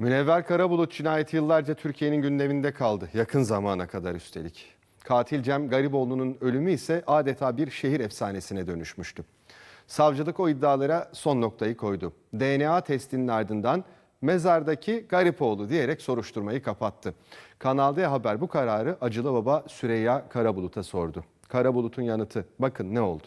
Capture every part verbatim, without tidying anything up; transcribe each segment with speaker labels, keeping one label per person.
Speaker 1: Münevver Karabulut cinayeti yıllarca Türkiye'nin gündeminde kaldı. Yakın zamana kadar üstelik. Katil Cem Garipoğlu'nun ölümü ise adeta bir şehir efsanesine dönüşmüştü. Savcılık o iddialara son noktayı koydu. D N A testinin ardından mezardaki Garipoğlu diyerek soruşturmayı kapattı. Kanal D Haber bu kararı acılı baba Süreyya Karabulut'a sordu. Karabulut'un yanıtı, bakın ne oldu?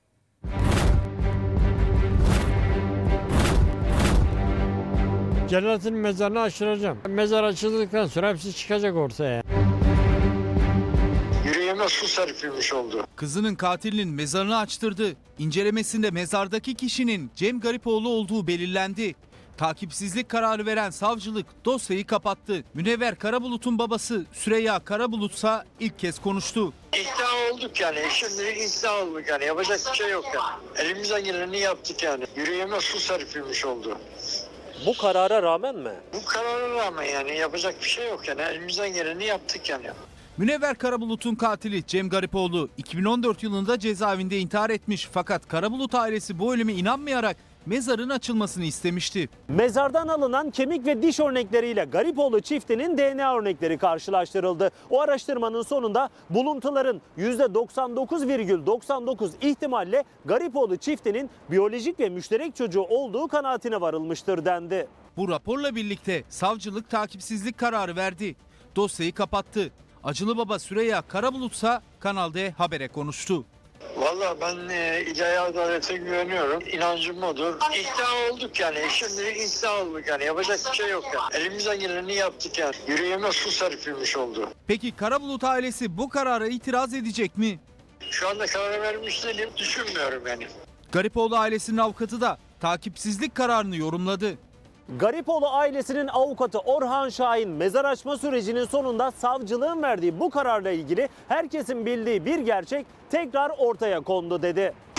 Speaker 2: Cellat'ın mezarını açtıracağım. Mezar açıldıktan sonra hepsi çıkacak ortaya.
Speaker 3: Yüreğime su serpilmiş oldu.
Speaker 4: Kızının katilinin mezarını açtırdı. İncelemesinde mezardaki kişinin Cem Garipoğlu olduğu belirlendi. Takipsizlik kararı veren savcılık dosyayı kapattı. Münevver Karabulut'un babası Süreyya Karabulut'sa ilk kez konuştu.
Speaker 3: İkna olduk yani. Şimdi ikna olduk yani. Yapacak bir şey yok yani. Elimizden geleni yaptık yani. Yüreğime su serpilmiş oldu.
Speaker 5: Bu karara rağmen mi?
Speaker 3: Bu karara rağmen yani yapacak bir şey yok yani. Elimizden geleni yaptık yani.
Speaker 4: Münevver Karabulut'un katili Cem Garipoğlu iki bin on dört yılında cezaevinde intihar etmiş. Fakat Karabulut ailesi bu ölüme inanmayarak mezarın açılmasını istemişti.
Speaker 5: Mezardan alınan kemik ve diş örnekleriyle Garipoğlu çiftinin D N A örnekleri karşılaştırıldı. O araştırmanın sonunda buluntuların yüzde doksan dokuz virgül doksan dokuz ihtimalle Garipoğlu çiftinin biyolojik ve müşterek çocuğu olduğu kanaatine varılmıştır dendi.
Speaker 4: Bu raporla birlikte savcılık takipsizlik kararı verdi. Dosyayı kapattı. Acılı baba Süreyya Karabulut'sa Kanal D Haber'e konuştu.
Speaker 3: Vallahi ben e, ilahi adalete güveniyorum. İnancım odur. İkna olduk yani. Şimdi ikna olduk yani. Yapacak bir şey yok yani. Elimizden geleni yaptık yani. Yüreğime su serpilmiş oldu.
Speaker 4: Peki Karabulut ailesi bu karara itiraz edecek mi?
Speaker 3: Şu anda karar vermiş değilim. Düşünmüyorum yani.
Speaker 4: Garipoğlu ailesinin avukatı da takipsizlik kararını yorumladı.
Speaker 5: Garipoğlu ailesinin avukatı Orhan Şahin mezar açma sürecinin sonunda savcılığın verdiği bu kararla ilgili herkesin bildiği bir gerçek tekrar ortaya kondu dedi.